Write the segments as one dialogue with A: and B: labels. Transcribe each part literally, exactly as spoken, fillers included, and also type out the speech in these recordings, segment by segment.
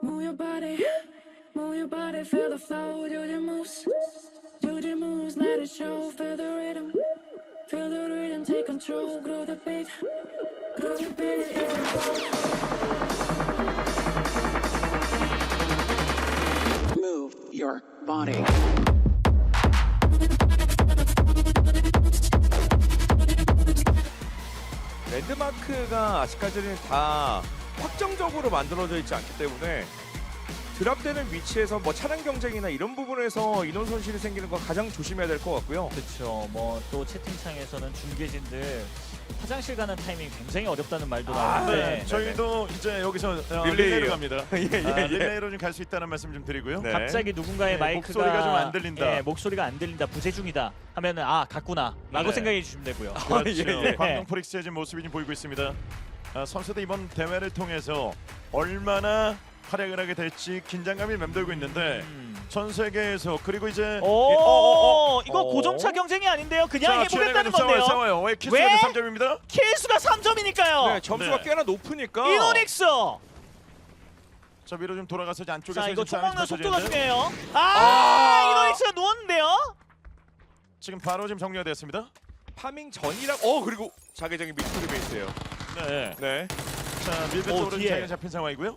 A: Move your body, move your body, feel the flow, do your moves, do your moves, let it show, feel the rhythm, feel the rhythm, take control, grow the beat, grow the beat,
B: Move your body.
C: 랜드마크가 아직까지는 다 확정적으로 만들어져 있지 않기 때문에 드랍되는 위치에서 뭐 차량 경쟁이나 이런 부분에서 인원 손실이 생기는 건 가장 조심해야 될 것 같고요.
D: 그렇죠. 뭐 또 채팅창에서는 중계진들 화장실 가는 타이밍 굉장히 어렵다는 말도
C: 아,
D: 나오는데
C: 네.
E: 저희도 이제 여기서 어,
C: 릴레이요.
E: 릴레이로 갑니다.
C: 예, 예,
E: 아,
C: 예.
E: 릴레이로 좀 갈 수 있다는 말씀 좀 드리고요.
C: 네.
D: 갑자기 누군가의
E: 네,
D: 마이크가
E: 목소리가 좀안 들린다.
D: 예, 목소리가 안 들린다. 부재 중이다. 하면은 아 갔구나. 라고
E: 네.
D: 생각해 주시면 되고요.
E: 그렇죠.
C: 예, 예.
E: 광동 프릭스의 지금 모습이 좀 보이고 있습니다. 아, 선수들 이번 대회를 통해서 얼마나 활약을 하게 될지 긴장감이 맴돌고 있는데
D: 음.
E: 전 세계에서 그리고 이제
D: 오,
E: 이- 어, 어, 어.
D: 이거
C: 어.
D: 고점차 경쟁이 아닌데요. 그냥
E: 자,
D: 해보겠다는
E: 싸워요,
D: 건데요.
E: 싸워요. 왜
D: 왜?
E: 키스가 삼 점입니다.
D: 킬수가 삼 점이니까요.
C: 네, 점수가
E: 네.
C: 꽤나 높으니까.
D: 이노닉스.
E: 자 위로 좀 돌아가서 이제 안쪽에서
D: 자 이거
E: 지금
D: 총 먹는
E: 싸움이
D: 속도가
E: 펼쳐지는데
D: 중요해요. 아,
C: 아.
D: 이노닉스가 누웠는데요.
E: 지금 바로 지금 정리가 됐습니다.
C: 파밍 전이랑 어 그리고 자기장이 믹스리 베이스예요.
E: 네.
C: 네.
E: 자 밀배
D: 오,
E: 쪽으로
D: 뒤에.
E: 자리가 잡힌 상황이고요.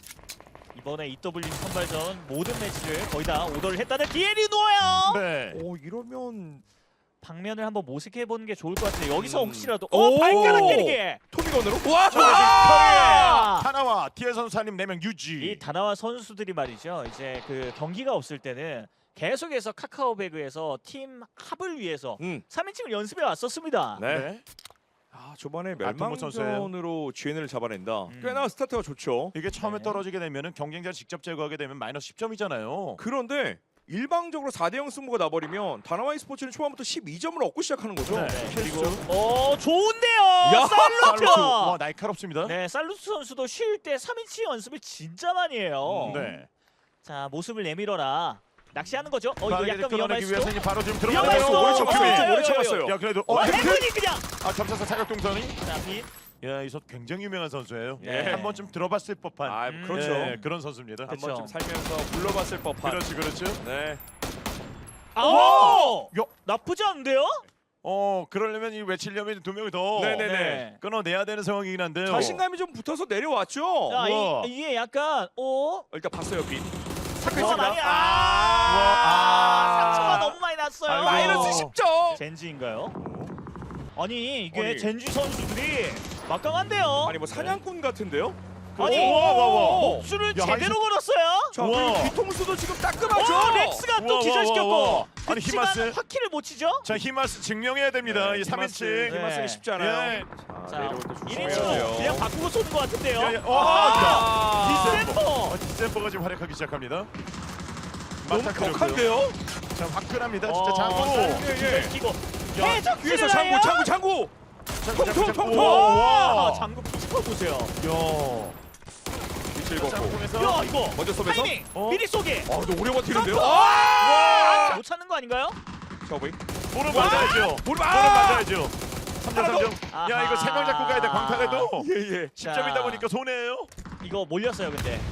D: 이번에 이더블유 선발전 모든 매치를 거의 다 오더를 했다는 디엘이 누워요.
E: 네.
C: 오 이러면
D: 방면을 한번 모색해 보는 게 좋을 것 같은데 여기서
C: 음.
D: 혹시라도
C: 오!
D: 어 발가락 때리기.
C: 토미건으로 와!
E: 자, 지금
D: 아!
E: 커리어 하나와 디에 선수님 네 명 유지.
D: 이 다나와 선수들이 말이죠. 이제 그 경기가 없을 때는 계속해서 카카오배그에서 팀 합을 위해서
C: 음.
D: 삼 인칭을 연습해 왔었습니다.
C: 네.
E: 네.
C: 아 저번에
E: 아토모 선수예요.
C: 멸망전으로 지엔을 잡아낸다.
D: 음.
C: 꽤나 스타트가 좋죠.
E: 이게 처음에
D: 네.
E: 떨어지게 되면은 경쟁자를 직접 제거하게 되면 마이너스 십 점이잖아요.
C: 그런데 일방적으로 사 대 영 승부가 나버리면 다나와이 스포츠는 초반부터 십이 점을 얻고 시작하는 거죠.
E: 네.
D: 그리고
E: 실수.
D: 어 좋은데요.
C: 야,
D: 살루트.
E: 와 날카롭습니다.
D: 네, 살루트 선수도 쉴 때 삼 인치 연습을 진짜 많이 해요.
E: 음, 네.
D: 자, 모습을 내밀어라. 낚시하는 거죠? 어, 이거
E: 빠르게
D: 약간
E: 끌어내기
D: 위험할 수도.
E: 위해서 이제 바로 지금
D: 위험할
E: 들어가네요.
D: 수도.
E: 오래
D: 어,
E: 쳤습니다.
D: 어, 어,
C: 오래 참았어요.
E: 야 그래도
D: 어,
E: 어,
D: 해븐이 그냥.
E: 아 점사사 사격 동선이.
D: 자, 빛.
E: 야, 이 선수 굉장히 유명한 선수예요.
C: 예.
E: 한 번쯤 들어봤을 법한.
C: 아
D: 음.
C: 그렇죠.
E: 예, 그런 선수입니다.
D: 그쵸.
C: 한번 좀 살면서 불러봤을 법한.
E: 그렇지, 그렇죠.
C: 네.
D: 아!
E: 야,
D: 나쁘지 않은데요?
E: 어, 그러려면 이 외치려면 두 명이 더
C: 네네네.
E: 끊어내야 되는 상황이긴 한데요.
C: 자신감이 좀 붙어서 내려왔죠.
D: 자,
E: 우와.
D: 이, 이게 약간 어?
C: 일단 봤어요 빛.
D: 상처가 많이 아!
E: 우와.
D: 아! 상처가 너무 많이 났어요.
E: 아이고.
C: 마이너스 십 점.
D: 젠지인가요? 아니, 이게
C: 아니.
D: 젠지 선수들이 막강한데요.
C: 아니 뭐 사냥꾼 같은데요?
D: 아니,
E: 우와, 우와, 우와.
D: 목줄을
E: 야,
D: 제대로
E: 하이스-
D: 걸었어요.
C: 자
E: 우와.
C: 그리고 뒤통수도 지금 따끔하죠.
D: 어, 렉스가 또
E: 우와, 우와,
D: 기절시켰고.
E: 우와, 우와. 아니,
D: 그치만
E: 히마스.
D: 화키를 못 치죠?
E: 자, 히마스 증명해야 됩니다.
C: 네,
E: 이 삼
C: 히마스,
E: 인치.
C: 히마스는
D: 네.
C: 쉽지 않아요.
E: 예.
C: 자,
D: 자,
C: 내려올 때
D: 일
C: 조심해야
D: 인치로
C: 돼요.
D: 그냥 바꾸고 쏘는 것 같은데요.
E: 야, 야, 어,
C: 아,
D: 디셈버.
E: 어, 디셈버가 지금 활약하기 시작합니다.
C: 너무
E: 맞닥뜨렸고요.
C: 격한데요?
E: 자, 화끈합니다.
D: 어,
E: 진짜 장구.
C: 예, 예.
D: 기고
E: 야,
D: 해적
C: 위에서 장구 장구 장구.
E: 장구, 장구, 장구.
C: 통통,
E: 와,
D: 와,
E: 와.
D: 장구 피지컬 보세요.
E: 야.
C: 빛을 걷고.
E: 장구에서
D: 야, 이거
C: 먼저 쏘면서.
D: 타이밍
E: 어?
D: 미리 쏘기.
C: 아 근데 오래 버티는데요?
D: 점프!
C: 아!
D: 못 찾는 거 아닌가요?
C: 저보이.
E: 볼을 맞아야죠.
C: 볼을
E: 볼을
C: 아!
E: 맞아야죠. 삼 점
C: 하나
E: 삼 점.
D: 더.
E: 야, 이거 세 명 잡고 가야 돼. 광탈해도
C: 예예.
E: 십 점이다 보니까 손해예요.
D: 이거 몰렸어요, 근데.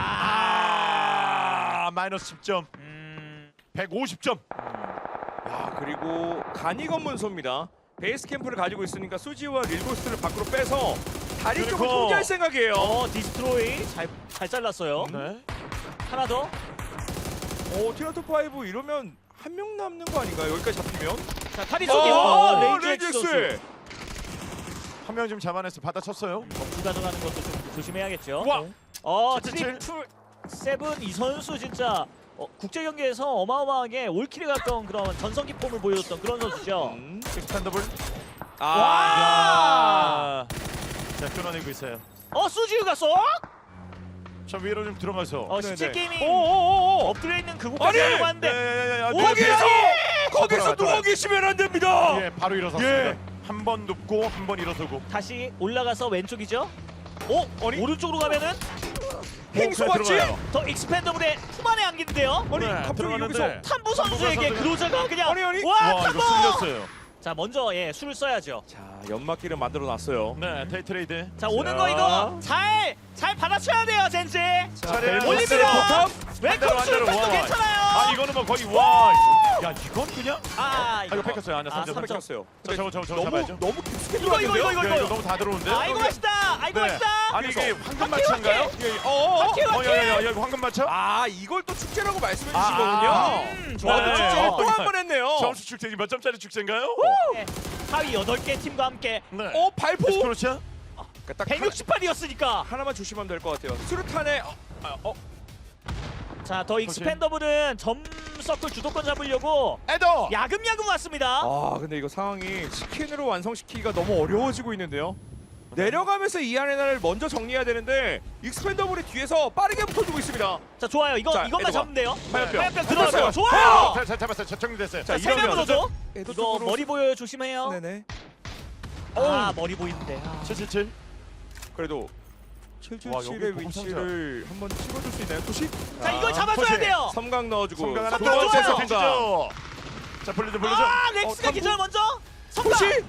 D: 아,
E: 아, 마이너스 십 점.
D: 음,
E: 백오십 점.
C: 야 그리고 간이 검문소입니다. 베이스 캠프를 가지고 있으니까 수지와 릴고스트를 밖으로 빼서 다리 쪽을
E: 그리고-
C: 통제할 생각이에요.
D: 어, 디스트로이 잘, 잘 잘랐어요.
E: 네.
D: 하나 더.
C: 오 티라토 파이브 이러면 한 명 남는 거 아닌가요? 여기까지 잡히면?
D: 자, 다리 쏘기.
C: 어,
D: 어, 레이지
C: 레이지엑스.
D: 선수.
E: 한 명 지금 잡아내서 받아쳤어요.
D: 어, 가져가는 것도 좀 조심해야겠죠.
E: 와.
D: 어,
E: 칠, 칠.
D: 트리플 세븐 이 선수 진짜 어, 국제 경기에서 어마어마하게 올킬에 가까운 그런 전성기 폼을 보여줬던 그런 선수죠.
C: 음.
E: 스탠더블.
C: 아.
D: 와!
E: 야. 자, 끊어내고 있어요.
D: 어, 수지우가 쏙!
E: 저 위로 좀 들어가서.
D: 어,
C: 네네.
D: 십칠 게이밍
C: 오오오오.
D: 엎드려 있는 그곳까지
C: 아니!
D: 하려고 하는데
E: 야야야야.
C: 거기서 거기서
E: 돌아가,
C: 누워 계시면 안 됩니다.
E: 예, 바로 일어섰습니다.
C: 예.
E: 한 번 눕고 한 번 일어서고.
D: 다시 올라가서 왼쪽이죠. 어?
C: 아니
D: 오른쪽으로 가면은
C: 행소
E: 홈에
C: 맞지?
E: 들어가요.
D: 더 익스펜더블의 후반에 안기는데요.
C: 아니
E: 네,
C: 갑자기
E: 들어가는데.
C: 여기서
D: 탐부 선수에게
E: 선수가-
D: 그로자가 그냥
C: 아니, 아니.
D: 와,
E: 와, 이거
D: 탐부!
E: 쓸렸어요.
D: 자 먼저 예 술을 써야죠.
C: 자, 연막기를 만들어 놨어요.
E: 네, 데이 트레이드.
D: 자 오는 거 이거 잘 잘 받아쳐야 돼요 젠지.
E: 차례
D: 올립니다. 웰컴
E: 완전
D: 술도
E: 와.
D: 괜찮아요.
E: 아 이거는 뭐 거의 와. 야 이건 그냥.
D: 아,
E: 아 이거 뺏겼어요. 아니야
D: 아,
E: 삼 점
D: 삼 점.
C: 뺏겼어요.
E: 자, 저거 저거 저거
C: 너무
E: 잡아야죠.
C: 너무 깊숙이
D: 이거, 이거,
C: 들어갔는데요?
D: 이거,
E: 야, 이거 너무 다 들어오는데.
D: 아이고 맛있다. 아이고
E: 네.
D: 맛있다.
E: 아니 이게
C: 그래서-
E: 황금 마차인가요?
C: 예, 어, 어, 어.
D: 오케이,
E: 어,
D: 오케이.
E: 야, 야, 야, 이거 황금 마차?
C: 아, 이걸 또 축제라고 말씀해
E: 아,
C: 주신 거군요.
E: 아.
D: 음,
C: 와,
D: 좋아요.
C: 근데
E: 네.
C: 축제를
E: 어.
C: 또 한 번 했네요.
E: 점수 축제 몇 점짜리 축제인가요?
D: 네. 하위 여덟 개 팀과 함께
E: 네.
C: 어, 발포.
E: 에스크로치아?
C: 그러니까 딱
D: 백육십팔이었으니까.
C: 하나, 만 조심하면 될 것 같아요. 수류탄에 어, 아, 어,
D: 자 더 익스펜더블은 점 서클 주도권 잡으려고
E: 에더.
D: 야금야금 왔습니다.
C: 아, 근데 이거 상황이 치킨으로 완성시키기가 너무 어려워지고 있는데요. 내려가면서 이 아레나를 먼저 정리해야 되는데 익스펜더블이 뒤에서 빠르게 붙어주고 있습니다.
D: 자 좋아요. 이거
C: 자,
D: 이것만
C: 에드와.
D: 잡으면 돼요.
C: 화염병.
D: 화염병 들어왔어요.
C: 붙었어요.
D: 좋아요.
E: 자, 자, 잡았어요. 자, 정리됐어요.
D: 자,
C: 자,
D: 세 명으로
C: 이러면
D: 줘.
C: 에도
D: 이거
C: 쪽으로-
D: 머리 보여요. 조심해요.
C: 네네.
D: 아 머리 보이는데. 아.
E: 칠칠칠.
C: 그래도
E: 와, 여기
C: 칠칠칠의
E: 보고
C: 위치를 한번 찍어줄 수 있나요? 도시?
D: 자 이걸
E: 아,
D: 잡아줘야
E: 터치.
D: 돼요.
C: 섬광 넣어주고
E: 성강 하나
C: 두
D: 성강
C: 번째
D: 좋아요.
C: 섬광.
E: 성강. 자, 불러줘, 불러줘.
D: 아
C: 어,
D: 렉스가
C: 탐구?
D: 기절 먼저. 성공.
C: 도시?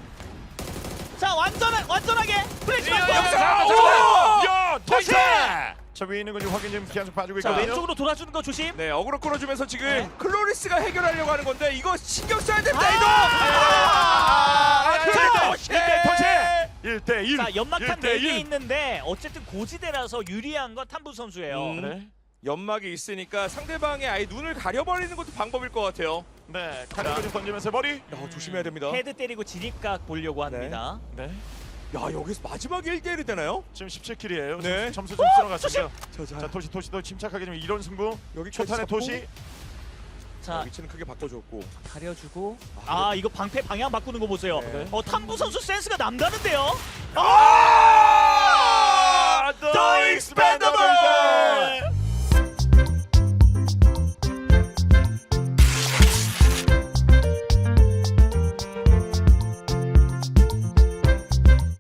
D: 자 완전 완전하게 플래시
E: 야,
D: 맞고.
E: 야, 야,
C: 오!
E: 야,
D: 터치!
E: 터치! 저 위에 있는 건 지금 확인 좀 계속 봐주고
D: 자
E: 있거든요.
D: 왼쪽으로 돌아주는 거 조심.
C: 네, 어그로 끌어주면서 지금
D: 네.
C: 클로리스가 해결하려고 하는 건데 이거 신경 써야 됩니다.
D: 아!
C: 이거.
E: 아,
C: 아,
E: 일 대
C: 터치!
E: 일 대 터치. 일 대 일.
D: 자 연막탄 네 개
E: 일.
D: 있는데 어쨌든 고지대라서 유리한 건 탐부 선수예요.
C: 음.
E: 네.
C: 연막이 있으니까 상대방의 아예 눈을 가려버리는 것도 방법일 것 같아요.
E: 네. 카드를 좀 던지면서 머리.
C: 야, 조심해야 됩니다.
D: 헤드 때리고 진입각 보려고 합니다.
E: 네.
C: 야, 여기서 마지막에 일 대 일이 되나요?
E: 지금 십칠 킬이에요.
C: 네.
E: 점수 좀 쓸어갔습니다.
C: 자, 자,
E: 자, 토시 토시도 침착하게 좀 이런 승부.
C: 여기
E: 초탄의 토시.
C: 자,
D: 자
C: 위치는 크게 바꿔줬고.
D: 가려주고. 아 이거 방패 방향 바꾸는 거 보세요.
C: 네.
D: 어 탐부 선수 센스가 남다른데요.
E: 아! 더 익스펜더블!